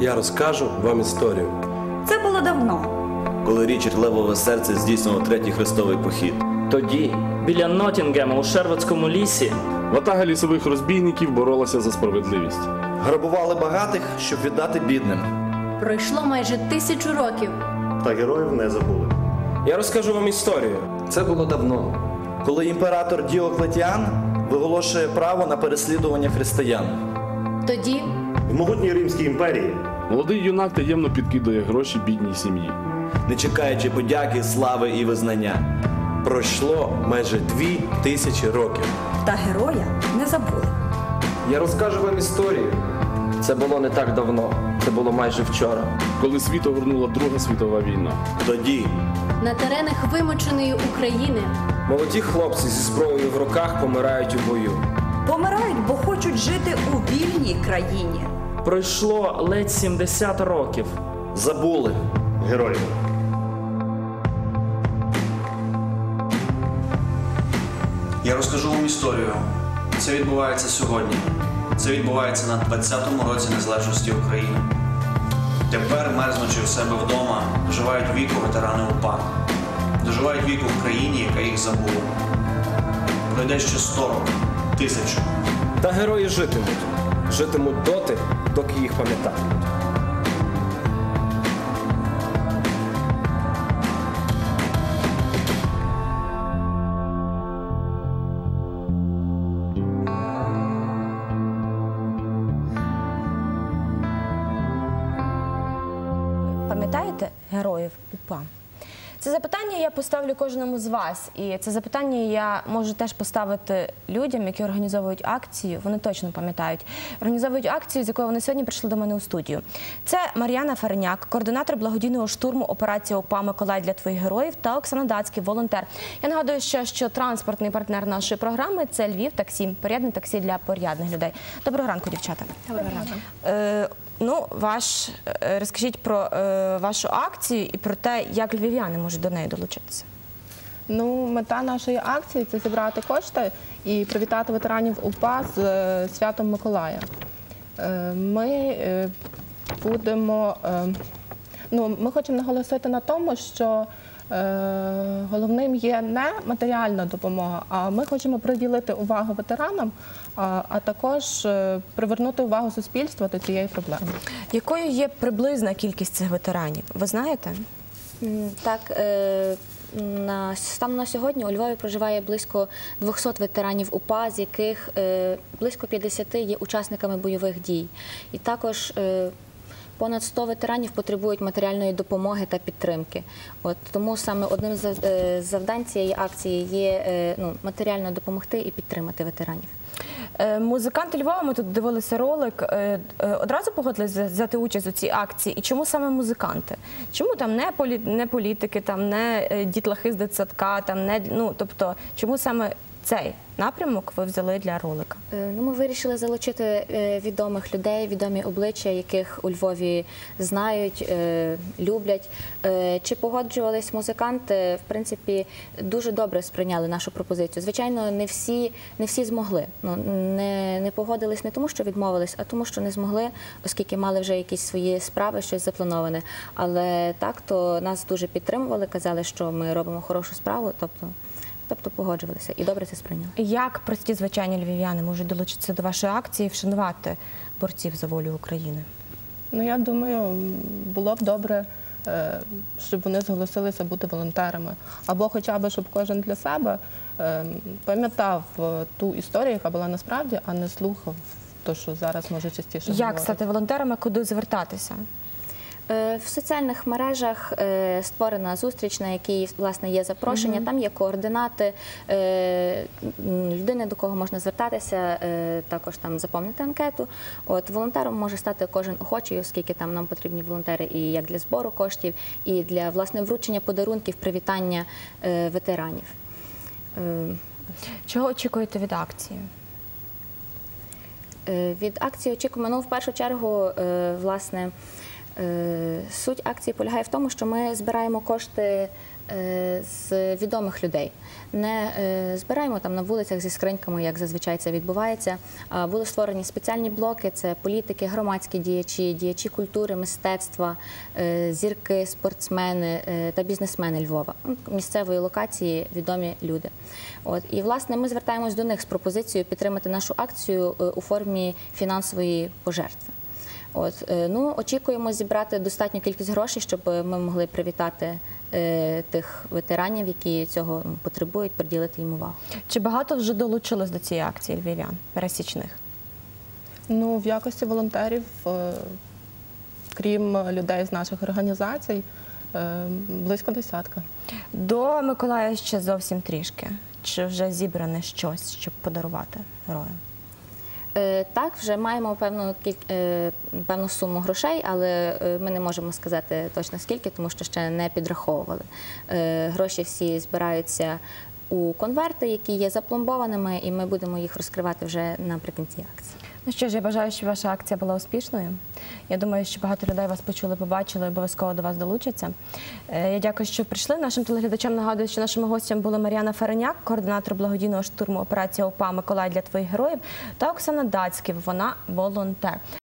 Я розкажу вам історію. Це було давно. Коли Річард Левове серце здійснював третій хрестовий похід. Тоді, біля Ноттінгема у Шервудському лісі, ватага лісових розбійників боролася за справедливість. Грабували багатих, щоб віддати бідним. Пройшло майже 1000 років. Та героїв не забули. Я розкажу вам історію. Це було давно. Коли імператор Діоклетіан виголошує право на переслідування християн. Тоді В могутній Римській імперії Молодий юнак таємно підкидає гроші бідній сім'ї. Не чекаючи подяки, слави і визнання. Пройшло майже 2000 років. Та героя не забули. Я розкажу вам історію. Це було не так давно. Це було майже вчора. Коли світ огорнула Друга світова війна. Тоді на теренах вимученої України Молоді хлопці зі зброєю в руках помирають у бою. Помирають, бо хочуть жити у вільній країні. пройшло ледь 70 років. забули. героїв. Я розкажу вам історію. Це відбувається сьогодні. Це відбувається на 20-му році незалежності України. Тепер, мерзнучи в себе вдома, доживають віку ветерани УПА. Доживають віку в країні, яка їх забула. Пройде ще 100 років, 1000. Та герої житимуть. Житимуть доти, доки їх пам'ятатимуть. Пам'ятаєте героїв УПА? Це запитання я поставлю кожному з вас. І це запитання я можу теж поставити людям, які організовують акцію. Вони точно пам'ятають. Організовують акцію, з якою вони сьогодні прийшли до мене у студію. Це Мар'яна Фареняк, координатор благодійного штурму операції УПА «Миколай для твоїх героїв» та Оксана Дацький, волонтер. Я нагадую ще, що транспортний партнер нашої програми – це Львів таксі, порядне таксі для порядних людей. Доброго ранку, дівчата. Доброго ранку. Ну, розкажіть про вашу акцію і про те, як львів'яни можуть до неї долучитися. Ну, мета нашої акції – це зібрати кошти і привітати ветеранів УПА з святом Миколая. Ми хочемо наголосити на тому, що головним є не матеріальна допомога, а ми хочемо приділити увагу ветеранам, а також привернути увагу суспільства до цієї проблеми. Якою є приблизна кількість цих ветеранів? Ви знаєте? Так, станом на сьогодні у Львові проживає близько 200 ветеранів УПА, з яких близько 50 є учасниками бойових дій. І також понад 100 ветеранів потребують матеріальної допомоги та підтримки. Тому саме одним з завдань цієї акції є матеріально допомогти і підтримати ветеранів. Музиканти Львова, ми тут дивилися ролик, одразу погодилися взяти участь у цій акції. І чому саме музиканти? Чому там не політики, там не дітлахи з дитсадка, тобто чому саме цей напрямок ви взяли для ролика? Ми вирішили залучити відомих людей, відомі обличчя, яких у Львові знають, люблять. Чи погоджувались музиканти? В принципі, дуже добре сприйняли нашу пропозицію. Звичайно, не всі змогли. Не погодились не тому, що відмовились, а тому, що не змогли, оскільки мали вже якісь свої справи, щось заплановане. Але так, то нас дуже підтримували, казали, що ми робимо хорошу справу, тобто погоджувалися і добре це сприйняли. Як прості звичайні львів'яни можуть долучитися до вашої акції і вшанувати борців за волю України? Я думаю, було б добре, щоб вони зголосилися бути волонтерами. Або хоча б, щоб кожен для себе пам'ятав ту історію, яка була насправді, а не слухав те, що зараз може частіше говорити. Як стати волонтерами, куди звертатися? В соціальних мережах створена зустріч, на якій, власне, є запрошення, там є координати людини, до кого можна звертатися, також там заповнити анкету. Волонтером може стати кожен охочий, оскільки там нам потрібні волонтери і як для збору коштів, і для, власне, вручення подарунків, привітання ветеранів. Чого очікуєте від акції? Від акції очікуємо, в першу чергу, власне, суть акції полягає в тому, що ми збираємо кошти з відомих людей. Не збираємо там на вулицях зі скриньками, як зазвичай це відбувається. Були створені спеціальні блоки, це політики, громадські діячі, діячі культури, мистецтва, зірки, спортсмени та бізнесмени Львова. Місцевої локації відомі люди. І, власне, ми звертаємось до них з пропозицією підтримати нашу акцію у формі фінансової пожертви. Очікуємо зібрати достатню кількість грошей, щоб ми могли привітати тих ветеранів, які цього потребують, приділити їм увагу. Чи багато вже долучилось до цієї акції львів'ян, пересічних? Ну, в якості волонтерів, крім людей з наших організацій, близько 10. До Миколая ще зовсім трішки. Чи вже зібране щось, щоб подарувати героям? Так, вже маємо певну суму грошей, але ми не можемо сказати точно скільки, тому що ще не підраховували. Гроші всі збираються у конверти, які є запломбованими, і ми будемо їх розкривати вже наприкінці акції. Ну що ж, я бажаю, щоб ваша акція була успішною. Я думаю, що багато людей вас почули, побачили і обов'язково до вас долучаться. Я дякую, що прийшли. Нашим телеглядачам нагадую, що нашими гостями були Мар'яна Ференяк, координатор благодійного штурму операція УПА «Миколай для твоїх героїв», та Оксана Дацьків, вона волонтер.